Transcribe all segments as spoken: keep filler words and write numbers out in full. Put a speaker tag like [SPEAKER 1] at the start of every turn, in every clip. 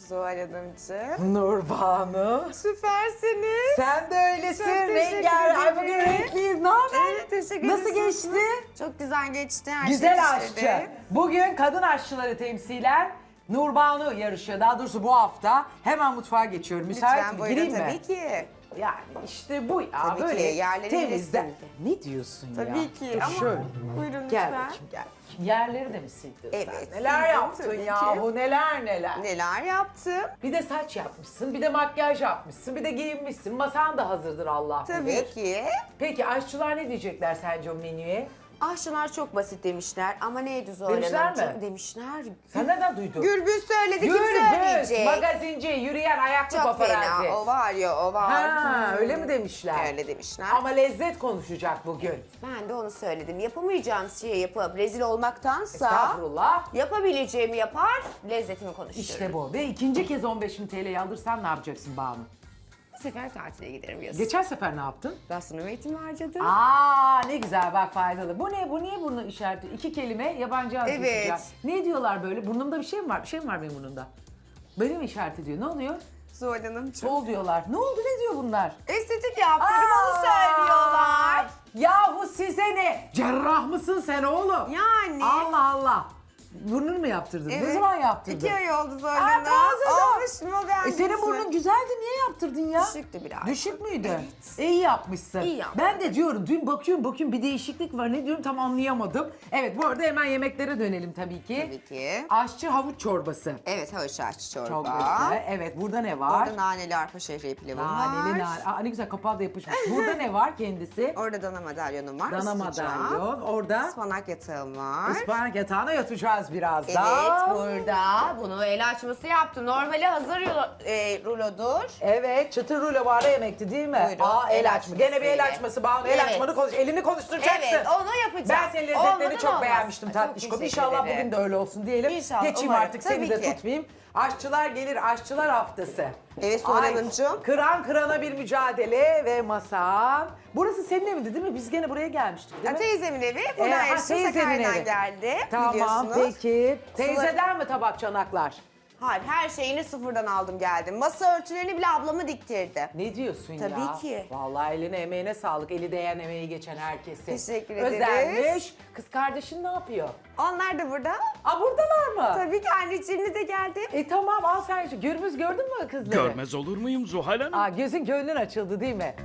[SPEAKER 1] Zuhal Hanımcığım.
[SPEAKER 2] Nurbanu.
[SPEAKER 1] Süpersiniz.
[SPEAKER 2] Sen de öylesin.
[SPEAKER 1] Çok teşekkür
[SPEAKER 2] Rengar. Ay bugün
[SPEAKER 1] ederim.
[SPEAKER 2] renkliyiz. Ne haber?
[SPEAKER 1] Evet, teşekkür
[SPEAKER 2] Nasıl
[SPEAKER 1] ederim.
[SPEAKER 2] geçti?
[SPEAKER 1] Çok güzel geçti. Her
[SPEAKER 2] Güzel
[SPEAKER 1] şey
[SPEAKER 2] aşçı.
[SPEAKER 1] işledi.
[SPEAKER 2] Bugün kadın aşçıları temsilen Nurbanu yarışıyor. Daha doğrusu bu hafta. Hemen mutfağa geçiyorum. Müsait
[SPEAKER 1] Lütfen
[SPEAKER 2] mi?
[SPEAKER 1] buyurun
[SPEAKER 2] Gireyim mi?
[SPEAKER 1] tabii ki.
[SPEAKER 2] Yani işte bu ya.
[SPEAKER 1] Tabii
[SPEAKER 2] böyle
[SPEAKER 1] ki, yerleri
[SPEAKER 2] temizden.
[SPEAKER 1] bilirsin.
[SPEAKER 2] Ne diyorsun ya?
[SPEAKER 1] Tabii ki
[SPEAKER 2] Dur
[SPEAKER 1] ama
[SPEAKER 2] şöyle.
[SPEAKER 1] buyurun
[SPEAKER 2] Gel
[SPEAKER 1] lütfen.
[SPEAKER 2] bakayım gel. Yerleri de mi sildin
[SPEAKER 1] Evet,
[SPEAKER 2] sen? Neler
[SPEAKER 1] sildim
[SPEAKER 2] yaptın
[SPEAKER 1] tabii
[SPEAKER 2] yahu neler neler.
[SPEAKER 1] Neler yaptım?
[SPEAKER 2] Bir de saç yapmışsın, bir de makyaj yapmışsın, bir de giyinmişsin. Masan da hazırdır Allah
[SPEAKER 1] Tabii
[SPEAKER 2] bilir.
[SPEAKER 1] ki.
[SPEAKER 2] Peki aşçılar ne diyecekler sence o menüye?
[SPEAKER 1] Aşçılar çok basit demişler ama neydi Zuhal
[SPEAKER 2] Demişler
[SPEAKER 1] Hanımcığım?
[SPEAKER 2] mi?
[SPEAKER 1] Demişler.
[SPEAKER 2] Sen nereden duydun?
[SPEAKER 1] Gürbüz söyledi, kim
[SPEAKER 2] Gürbüz,
[SPEAKER 1] söyleyecek?
[SPEAKER 2] magazinci, yürüyen ayaklı
[SPEAKER 1] Çok
[SPEAKER 2] paparazzi.
[SPEAKER 1] fena, o var ya, o var.
[SPEAKER 2] Ha,
[SPEAKER 1] Hmm.
[SPEAKER 2] öyle mi demişler?
[SPEAKER 1] Öyle demişler.
[SPEAKER 2] Ama lezzet konuşacak bugün.
[SPEAKER 1] Ben de onu söyledim. Yapamayacağım şeyi yapıp rezil olmaktansa
[SPEAKER 2] Estağfurullah.
[SPEAKER 1] yapabileceğimi yapar, lezzetimi konuştururum.
[SPEAKER 2] İşte bu. Ve ikinci kez on beş bin T L'yi alırsan ne yapacaksın Banu?
[SPEAKER 1] Bu sefer tatile giderim yazın.
[SPEAKER 2] Geçen sefer ne yaptın?
[SPEAKER 1] Gastronomi eğitimi harcadım.
[SPEAKER 2] Aa ne güzel bak faydalı. Bu ne? Bu niye burnu işareti? İki kelime yabancı az
[SPEAKER 1] Evet.
[SPEAKER 2] geçeceğim. Ne diyorlar böyle? Burnumda bir şey mi var? Bir şey mi var benim burnumda? Böyle mi işaret ediyor? Ne oluyor?
[SPEAKER 1] Zuhal Hanımcığım.
[SPEAKER 2] Sol diyorlar. Ne oldu? Ne diyor bunlar?
[SPEAKER 1] Estetik yaptırdım, onu
[SPEAKER 2] Aa!
[SPEAKER 1] söylüyorlar.
[SPEAKER 2] Yahu size ne? Cerrah mısın sen oğlum?
[SPEAKER 1] Yani.
[SPEAKER 2] Allah Allah. Burnunu mu yaptırdın? Ne
[SPEAKER 1] Evet.
[SPEAKER 2] zaman yaptırdın?
[SPEAKER 1] İki ay oldu Zuhal
[SPEAKER 2] Aa,
[SPEAKER 1] Hanım.
[SPEAKER 2] taze daha.
[SPEAKER 1] Olmuş mu ben?
[SPEAKER 2] E senin burnun güzeldi, niye yaptırdın ya?
[SPEAKER 1] Düşüktü biraz.
[SPEAKER 2] Düşük müydü?
[SPEAKER 1] Evet.
[SPEAKER 2] E, iyi yapmışsın.
[SPEAKER 1] İyi yaptım.
[SPEAKER 2] Ben de diyorum, dün bakıyorum bakıyorum bir değişiklik var. Ne diyorum tam anlayamadım. Evet bu arada hemen yemeklere dönelim tabii ki.
[SPEAKER 1] Tabii ki.
[SPEAKER 2] Aşçı havuç çorbası.
[SPEAKER 1] Evet, havuç aşçı çorba.
[SPEAKER 2] Çok güzel. Evet burada ne var?
[SPEAKER 1] Orada naneli arpa şehriye pilavım
[SPEAKER 2] Naneli
[SPEAKER 1] var.
[SPEAKER 2] nane. Aa, ne güzel kapağı da yapışmış. Burada ne var kendisi?
[SPEAKER 1] Orada dana madalyonum var.
[SPEAKER 2] Dana
[SPEAKER 1] ısıtacağım.
[SPEAKER 2] madalyon. Orada
[SPEAKER 1] Ispanak yatağım var.
[SPEAKER 2] ıspanak yatağına yatacağız birazdan.
[SPEAKER 1] Evet, burada bunu el açması yaptım. Normali hazır rulo, e, rulodur.
[SPEAKER 2] Evet, çıtır rulo var yemekti değil mi?
[SPEAKER 1] Buyurun,
[SPEAKER 2] Aa, el,
[SPEAKER 1] el
[SPEAKER 2] açma. Gene bir el
[SPEAKER 1] açmasıyla.
[SPEAKER 2] açması Banu. El
[SPEAKER 1] Evet.
[SPEAKER 2] açmanı konuş. Elini konuşturacaksın.
[SPEAKER 1] Evet, onu yapacağım.
[SPEAKER 2] Ben senin lezzetlerini
[SPEAKER 1] Olmadan
[SPEAKER 2] çok
[SPEAKER 1] olmaz.
[SPEAKER 2] beğenmiştim
[SPEAKER 1] Ay, çok
[SPEAKER 2] tatlışkom.
[SPEAKER 1] teşekkür
[SPEAKER 2] İnşallah
[SPEAKER 1] ederim.
[SPEAKER 2] bugün de öyle olsun diyelim.
[SPEAKER 1] İnşallah,
[SPEAKER 2] Geçeyim
[SPEAKER 1] umarım.
[SPEAKER 2] artık seni
[SPEAKER 1] Tabii
[SPEAKER 2] de
[SPEAKER 1] ki.
[SPEAKER 2] tutmayayım. Aşçılar gelir, aşçılar haftası.
[SPEAKER 1] Evet, Suhan
[SPEAKER 2] Ay,
[SPEAKER 1] Hanımcığım.
[SPEAKER 2] Kıran kırana bir mücadele ve masan. Burası senin evindi değil mi? Biz gene buraya gelmiştik değil
[SPEAKER 1] Ya,
[SPEAKER 2] mi?
[SPEAKER 1] teyzemin evi.
[SPEAKER 2] Ee,
[SPEAKER 1] Buna
[SPEAKER 2] ha,
[SPEAKER 1] eşim
[SPEAKER 2] teyzenin
[SPEAKER 1] Sakarya'dan
[SPEAKER 2] evi.
[SPEAKER 1] geldi.
[SPEAKER 2] Tamam
[SPEAKER 1] biliyorsunuz.
[SPEAKER 2] peki. Teyzeden mi tabak çanaklar?
[SPEAKER 1] Hayır, her şeyini sıfırdan aldım geldim. Masa örtülerini bile ablamı diktirdi.
[SPEAKER 2] Ne diyorsun ya?
[SPEAKER 1] Tabii ki.
[SPEAKER 2] Vallahi eline emeğine sağlık. Eli değen emeği geçen herkese.
[SPEAKER 1] Teşekkür ederiz.
[SPEAKER 2] Özenmiş. Kız kardeşin ne yapıyor?
[SPEAKER 1] Onlar da burada.
[SPEAKER 2] Aa buradalar mı?
[SPEAKER 1] Tabii ki anneciğimle de geldim.
[SPEAKER 2] E tamam al sen şu. Gürbüz gördün mü kızları?
[SPEAKER 3] Görmez olur muyum Zuhal Hanım?
[SPEAKER 2] Aa gözün gönlün açıldı değil mi?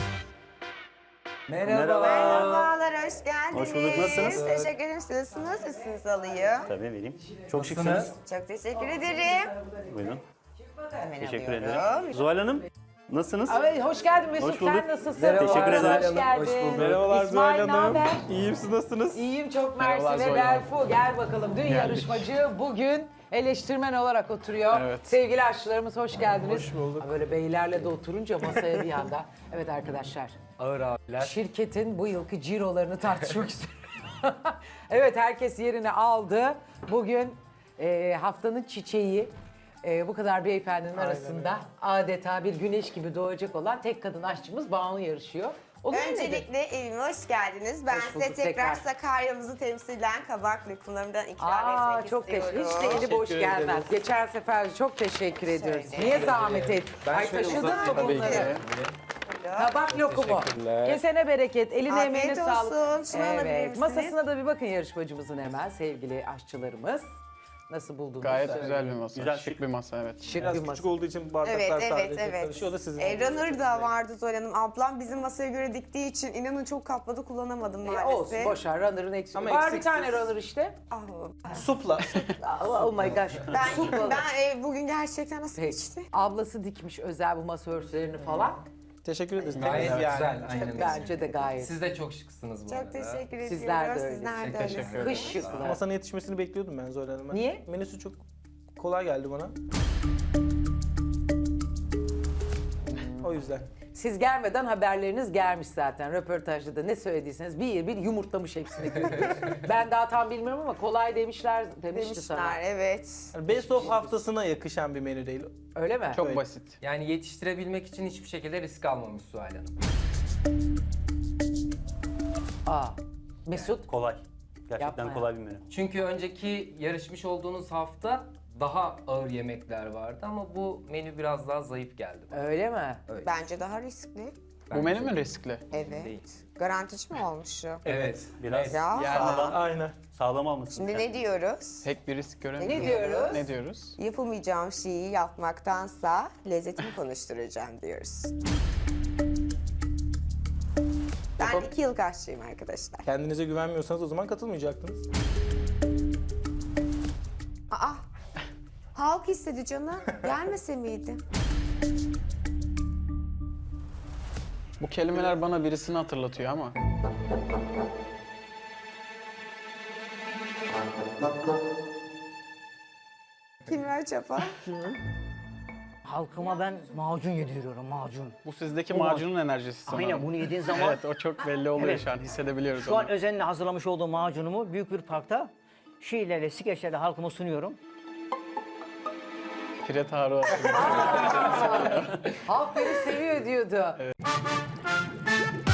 [SPEAKER 2] Merhaba.
[SPEAKER 1] Merhabalar, hoş geldiniz.
[SPEAKER 4] Hoş bulduk, nasılsınız?
[SPEAKER 1] Teşekkür ederim. Siz nasılsınız? Üstünüzü alayım.
[SPEAKER 4] Tabii vereyim. Çok şıksınız.
[SPEAKER 1] Çok teşekkür ederim.
[SPEAKER 4] Buyurun.
[SPEAKER 1] Hemen
[SPEAKER 4] Teşekkür
[SPEAKER 1] alıyorum.
[SPEAKER 4] ederim. Zuhal Hanım, nasılsınız?
[SPEAKER 2] Evet, hoş geldin Mesut.
[SPEAKER 4] Hoş bulduk.
[SPEAKER 2] Sen nasılsın?
[SPEAKER 4] Merhaba. Teşekkür ederim.
[SPEAKER 2] Hoş geldin.
[SPEAKER 4] Hoş bulduk.
[SPEAKER 5] Merhabalar
[SPEAKER 2] İsmail,
[SPEAKER 5] Zuhal Hanım.
[SPEAKER 2] naber?
[SPEAKER 5] İyiyim, siz nasılsınız?
[SPEAKER 2] İyiyim çok mersi
[SPEAKER 5] Merhabalar
[SPEAKER 2] ve
[SPEAKER 5] Zuhal Hanım.
[SPEAKER 2] Berfu. Gel bakalım. Dün yarışmacı bugün eleştirmen olarak oturuyor.
[SPEAKER 5] Evet.
[SPEAKER 2] Sevgili aşçılarımız hoş geldiniz.
[SPEAKER 5] Hoş bulduk.
[SPEAKER 2] Ha, Böyle beylerle de oturunca masaya bir anda. Evet arkadaşlar.
[SPEAKER 5] Ağır abiler.
[SPEAKER 2] Şirketin bu yılki cirolarını tartışmak istiyorum. Evet herkes yerini aldı. Bugün e, haftanın çiçeği. e, bu kadar beyefendinin arasında adeta bir güneş gibi doğacak olan tek kadın aşçımız Banu yarışıyor. Olur mu nedir?
[SPEAKER 1] Öncelikle evime hoş geldiniz. Ben
[SPEAKER 2] Hoş
[SPEAKER 1] size
[SPEAKER 2] bulduk
[SPEAKER 1] tekrar,
[SPEAKER 2] tekrar.
[SPEAKER 1] Sakarya'mızı temsilen kabak lokumlarımdan ikram
[SPEAKER 2] Aa,
[SPEAKER 1] etmek
[SPEAKER 2] çok teşekkür.
[SPEAKER 1] istiyorum.
[SPEAKER 2] Hiç de eli boş
[SPEAKER 5] Teşekkür
[SPEAKER 2] gelmez.
[SPEAKER 5] ederiz.
[SPEAKER 2] Geçen sefer çok teşekkür ediyoruz.
[SPEAKER 1] Şöyle.
[SPEAKER 2] Niye zahmet et? Ay
[SPEAKER 5] şöyle
[SPEAKER 2] taşıdın mı
[SPEAKER 5] uzatayım tabii
[SPEAKER 2] bunları?
[SPEAKER 5] ki.
[SPEAKER 2] Tabak lokumu.
[SPEAKER 5] Teşekkürler.
[SPEAKER 2] Kesene bereket, eline
[SPEAKER 1] Afiyet
[SPEAKER 2] emeğine
[SPEAKER 1] olsun.
[SPEAKER 2] sağlık.
[SPEAKER 1] Şunu alabilir misiniz?
[SPEAKER 2] Masasına da bir bakın yarışmacımızın hemen sevgili aşçılarımız. Nasıl buldunuz?
[SPEAKER 5] Gayet
[SPEAKER 2] Söyleyin.
[SPEAKER 5] güzel bir masa.
[SPEAKER 4] Güzel,
[SPEAKER 5] şık
[SPEAKER 4] şık.
[SPEAKER 5] bir masa evet.
[SPEAKER 2] Şık
[SPEAKER 6] Biraz
[SPEAKER 2] bir
[SPEAKER 6] küçük
[SPEAKER 2] masa.
[SPEAKER 6] olduğu için bardaklar
[SPEAKER 1] Evet, evet,
[SPEAKER 6] sadece
[SPEAKER 1] evet.
[SPEAKER 6] karışıyor. O da sizin.
[SPEAKER 1] E, runner da vardı Zuhal Hanım. Ablam bizim masaya göre diktiği için inanın çok kapladı kullanamadım
[SPEAKER 2] E,
[SPEAKER 1] maalesef.
[SPEAKER 2] olsun boşver runner'ın eksik.
[SPEAKER 6] Ama
[SPEAKER 2] Var bir
[SPEAKER 6] eksiksiz.
[SPEAKER 2] tane runner işte.
[SPEAKER 1] Ah,
[SPEAKER 6] Supla.
[SPEAKER 2] Oh, oh my gosh.
[SPEAKER 1] ben ben e, bugün gerçekten nasıl
[SPEAKER 2] Peki.
[SPEAKER 1] geçti?
[SPEAKER 2] Ablası dikmiş özel bu masa örtülerini falan.
[SPEAKER 6] Teşekkür ederiz.
[SPEAKER 7] Gayet
[SPEAKER 6] Temiz yani.
[SPEAKER 7] güzel, aynen.
[SPEAKER 2] Bence de gayet.
[SPEAKER 7] Siz de çok şıksınız bu
[SPEAKER 1] Çok
[SPEAKER 7] arada.
[SPEAKER 1] teşekkür ediyorum.
[SPEAKER 2] Sizler de öyle.
[SPEAKER 1] Sizler de
[SPEAKER 5] Teşekkür
[SPEAKER 1] öyle.
[SPEAKER 5] ederim.
[SPEAKER 2] Kış şıklı.
[SPEAKER 6] Masanın yetişmesini bekliyordum ben Zuhal Hanım'a.
[SPEAKER 2] Niye?
[SPEAKER 6] Menüsü çok kolay geldi bana. O yüzden.
[SPEAKER 2] Siz gelmeden haberleriniz gelmiş zaten. Röportajda da ne söylediyseniz bir bir yumurtlamış hepsini. Ben daha tam bilmiyorum ama kolay demişler demişti sana.
[SPEAKER 1] Demişler evet.
[SPEAKER 6] Yani Best of haftasına yakışan bir menü değil.
[SPEAKER 2] Öyle mi?
[SPEAKER 5] Çok
[SPEAKER 6] Evet.
[SPEAKER 5] basit.
[SPEAKER 7] Yani yetiştirebilmek için hiçbir şekilde risk almamış Zuhal Hanım.
[SPEAKER 2] Aa. Mesut.
[SPEAKER 4] Kolay. Gerçekten
[SPEAKER 2] Yapma ya.
[SPEAKER 4] kolay bir menü.
[SPEAKER 7] Çünkü önceki yarışmış olduğunuz hafta daha ağır yemekler vardı ama bu menü biraz daha zayıf geldi bana.
[SPEAKER 2] Öyle mi?
[SPEAKER 1] Bence daha riskli.
[SPEAKER 3] Bu menü mü riskli?
[SPEAKER 1] Evet.
[SPEAKER 7] Değil.
[SPEAKER 1] Garantici mi olmuş şu?
[SPEAKER 7] Evet.
[SPEAKER 4] Biraz
[SPEAKER 1] Ya.
[SPEAKER 4] sağlam,
[SPEAKER 6] Aynen.
[SPEAKER 4] sağlam almışsın.
[SPEAKER 1] Şimdi ne diyoruz?
[SPEAKER 3] Pek bir risk göremiyorum.
[SPEAKER 2] Ne diyoruz?
[SPEAKER 3] Ne diyoruz?
[SPEAKER 1] Yapamayacağım şeyi yapmaktansa lezzetimi konuşturacağım diyoruz. Ben iki yıl aşçıyım arkadaşlar.
[SPEAKER 6] Kendinize güvenmiyorsanız o zaman katılmayacaktınız.
[SPEAKER 1] Aa, halk istedi canım. Gelmese miydi?
[SPEAKER 3] Bu kelimeler bana birisini hatırlatıyor ama.
[SPEAKER 1] Kimler çapa?
[SPEAKER 5] Halkıma ben macun yediriyorum, macun.
[SPEAKER 3] Bu sizdeki
[SPEAKER 5] Bu
[SPEAKER 3] macunun enerjisi sanırım.
[SPEAKER 5] Aynen bunu yediğin zaman
[SPEAKER 3] Evet, o çok belli oluyor
[SPEAKER 5] Evet.
[SPEAKER 3] şu an. Hissedebiliyoruz
[SPEAKER 5] şu an
[SPEAKER 3] onu.
[SPEAKER 5] özenle hazırlamış olduğum macunumu büyük bir parkta şiirlerle, skeçlerle halkıma sunuyorum.
[SPEAKER 3] Pire Tarık.
[SPEAKER 2] Halk beni seviyor diyordu.